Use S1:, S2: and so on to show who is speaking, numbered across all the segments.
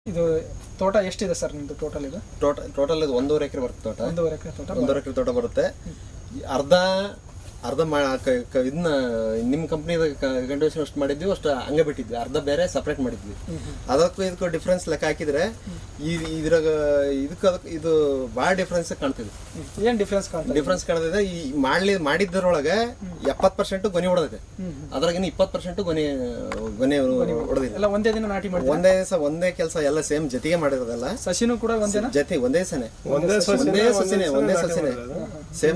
S1: ಇದು ತೋಟ ಎಷ್ಟಿದೆ ಸರ್ ನಿಮ್ಮದು ಟೋಟಲ್? ಇದು
S2: ಟೋಟಲ್ ಇದು 1.5 ಎಕರೆ ಬರುತ್ತೆ ತೋಟ.
S1: 1.5 ಎಕರೆ ತೋಟ.
S2: 1.5 ಎಕರೆ ತೋಟ ಬರುತ್ತೆ. ಅರ್ಧ ಇದನ್ನ ನಿಮ್ಮ ಕಂಪ್ನಿದ ಕಂಟಿನ್ಯೂಷನ್ ಅಷ್ಟು ಮಾಡಿದ್ವಿ, ಅಷ್ಟು ಹಂಗೆ ಬಿಟ್ಟಿದ್ವಿ. ಅರ್ಧ ಬೇರೆ ಸಪ್ರೇಟ್ ಮಾಡಿದ್ವಿ. ಅದಕ್ಕೂ ಇದಕ್ಕೂ ಡಿಫ್ರೆನ್ಸ್ ಲೆಕ್ಕ ಹಾಕಿದ್ರೆ ಇದ್ರಾಗ ಇದಕ್ಕೆ ಇದು ಭಾಳ ಡಿಫ್ರೆನ್ಸ್ ಕಾಣ್ತಿದೆ.
S1: ಏನು ಡಿಫ್ರೆನ್ಸ್
S2: ಕಾಣ್ತಿದೆ? ಈ ಮಾಡಿದ್ದರೊಳಗೆ 70% ಗೊನೆ ಹೊಡೆದಿದೆ, ಅದ್ರಾಗಿನ 20% ಗೊನೆ ಹೊಡೆದಿದೆ.
S1: ಎಲ್ಲ ಒಂದೇ ದಿನ ನಾಟಿ ಮಾಡಿ
S2: ಒಂದೇ ಕೆಲಸ ಎಲ್ಲ ಸೇಮ್ ಜೊತೆಗೆ ಮಾಡಿರೋದಲ್ಲ.
S1: ಸಸಿನೂ ಕೂಡ
S2: ಒಂದೇ ಸಸಿನೇ ಸೇಮ್.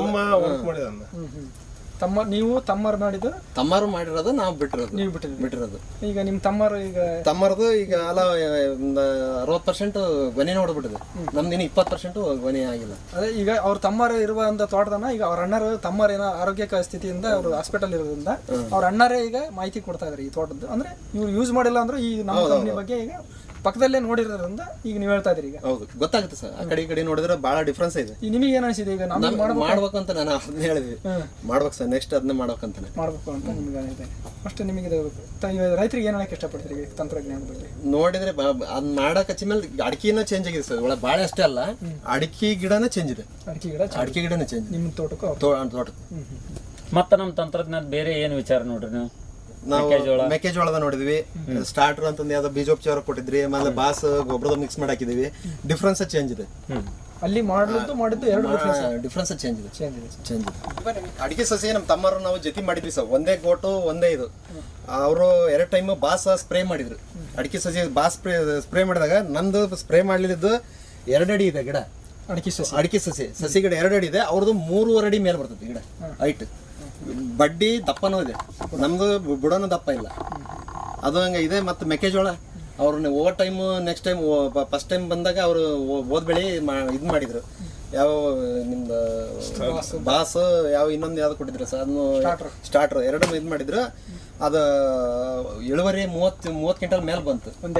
S1: ತಮ್ಮರು ಮಾಡಿದ್ದು,
S2: ತಮ್ಮರು ಮಾಡಿರೋದು ನಾವು ಬಿಟ್ಟಿರೋದು.
S1: ಈಗ ನಿಮ್ಮ ತಮ್ಮರದು
S2: ಈಗ ಅಲ್ಲ 60% ಗೊನೆ ನೋಡ್ಬಿಟ್ಟಿದೆ. ನಮ್ದಿನ 20% ಗೊನೆ ಆಗಿಲ್ಲ.
S1: ಅದೇ ಈಗ ಅವ್ರ ತಮ್ಮರು ಇರುವಂತ ತೋಟದನ್ನ ಈಗ ಅವ್ರ ಅಣ್ಣರು ತಮ್ಮರೇನೋ ಆರೋಗ್ಯ ಸ್ಥಿತಿಯಿಂದ ಅವರು ಹಾಸ್ಪಿಟಲ್ ಇರೋದ್ರಿಂದ ಅವ್ರ ಅಣ್ಣರೇ ಈಗ ಮಾಹಿತಿ ಕೊಡ್ತಾ ಇದಾರೆ ಈ ತೋಟದ್ದು. ಅಂದ್ರೆ ಇವ್ರು ಯೂಸ್ ಮಾಡಿಲ್ಲ ಅಂದ್ರೆ ಈ ನಮ್ಮ ಕಂಪ್ನಿ ಬಗ್ಗೆ ಈಗ ಪಕ್ಕದಲ್ಲೇ ನೋಡಿರೋದ್ರಿಂದ ಈಗ ನೀವು ಹೇಳ್ತಾ ಇದ್ರಿ. ಈಗ
S2: ಹೌದು, ಗೊತ್ತಾಗುತ್ತೆ ಸರ್. ಆ ಕಡೆ ನೋಡಿದ್ರೆ ಬಹಳ ಡಿಫ್ರೆನ್ಸ್ ಇದೆ.
S1: ನಿಮಗೆ ಏನ್ ಅನಿಸಿದೆ? ಈಗ
S2: ಮಾಡ್ಬೇಕು ಅಂತ ನಾನು ಅದನ್ನ ಹೇಳಿದ್ವಿ, ಮಾಡ್ಬೇಕು ಸರ್, ನೆಕ್ಸ್ಟ್ ಅದನ್ನ ಮಾಡ್ಬೇಕಂತಾನೆ
S1: ಮಾಡ್ಬೇಕು ಅಂತ ನಿಮ್ಗೆ ಇದೆ. ಅಷ್ಟೇ. ನಿಮಗೆ ರೈತರಿಗೆ ಏನ್ ಹೇಳಕ್ ಇಷ್ಟಪಡ್ತೀರಿ ತಂತ್ರಜ್ಞಾನ ಬಗ್ಗೆ?
S2: ನೋಡಿದ್ರೆ ಅದ್ ಮಾಡಕ್ ಹಚ್ಚ ಮೇಲೆ ಅಡಿಕೆನ ಚೇಂಜ್ ಆಗಿದೆ ಸರ್. ಒಳಗೆ ಬಾಳೆ ಅಷ್ಟೇ ಅಲ್ಲ, ಅಡಿಕೆ ಗಿಡನೇ ಚೇಂಜ್ ಇದೆ. ಅಡಿಕೆ ಗಿಡನೇ ಚೇಂಜ್ ನಿಮ್ಮ ತೋಟಕ್ಕೆ.
S3: ಮತ್ತೆ ನಮ್ಮ ತಂತ್ರಜ್ಞಾನ ಬೇರೆ ಏನು ವಿಚಾರ ನೋಡ್ರಿ ನೀವು?
S2: ನಾವು ಮೆಕ್ಕೆಜೋಳದ ನೋಡಿದ್ವಿ, ಸ್ಟಾರ್ಟರ್ ಅಂತಂದು ಯಾವ್ದೋ ಬೀಜೋಪಚಾರ ಕೊಟ್ಟಿದ್ರಿ, ಆಮೇಲೆ ಬಾಸ್ ಗೊಬ್ಬರದ ಮಿಕ್ಸ್ ಮಾಡಿ ಹಾಕಿದೀವಿ. ಡಿಫ್ರೆನ್ಸ್ ಚೇಂಜ್ ಇದೆ.
S1: ಅಲ್ಲಿ ಮಾಡಿದ್ದು ಎರಡು
S2: ಡಿಫ್ರೆನ್ಸ್ ಚೇಂಜ್ ಇದೆ. ಅಡಿಕೆ ಸಸಿ ನಮ್ಮ ತಮ್ಮರು ನಾವು ಜೊತೆ ಮಾಡಿದ್ವಿ ಸರ್. ಒಂದೇ ಗೋಟು ಒಂದೇ ಇದು. ಅವರು 2 ಟೈಮ್ ಬಾಸ್ ಸ್ಪ್ರೇ ಮಾಡಿದ್ರು. ಅಡಿಕೆ ಸಸಿ ಬಾಸ್ ಸ್ಪ್ರೇ ಮಾಡಿದಾಗ ನಂದು ಸ್ಪ್ರೇ ಮಾಡ್ಲಿದ್ದು 2 ಅಡಿ ಇದೆ ಗಿಡ. ಅಡಿಕೆ ಸಸಿ ಗಿಡ 2 ಅಡಿ ಇದೆ. ಅವ್ರದ್ದು 3.5 ಅಡಿ ಮೇಲೆ ಬರ್ತದೆ ಗಿಡ ಹೈಟ್. ಬಡ್ಡಿ ದಪ್ಪನೂ ಇದೆ, ನಮ್ದು ಬುಡನೂ ದಪ್ಪ ಇಲ್ಲ. ಅದು ಹಂಗೆ ಇದೆ. ಮತ್ತು ಮೆಕ್ಕೆಜೋಳ ಅವ್ರನ್ನ over time next time first time ಬಂದಾಗ ಅವರು ಓದ್ ಬೆಳೆ ಇದು ಮಾಡಿದ್ರು. ಯಾವ ನಿಮ್ದು ಬಾಸ್ ಯಾವ ಇನ್ನೊಂದು ಯಾವ್ದು ಕೊಟ್ಟಿದ್ರು ಸರ್, ಅದನ್ನು ಸ್ಟಾರ್ಟರ್ 2 ಇದು ಮಾಡಿದ್ರು. ಅದು ಇಳುವರಿ 30 ಕ್ವಿಂಟಲ್ ಮೇಲೆ ಬಂತು.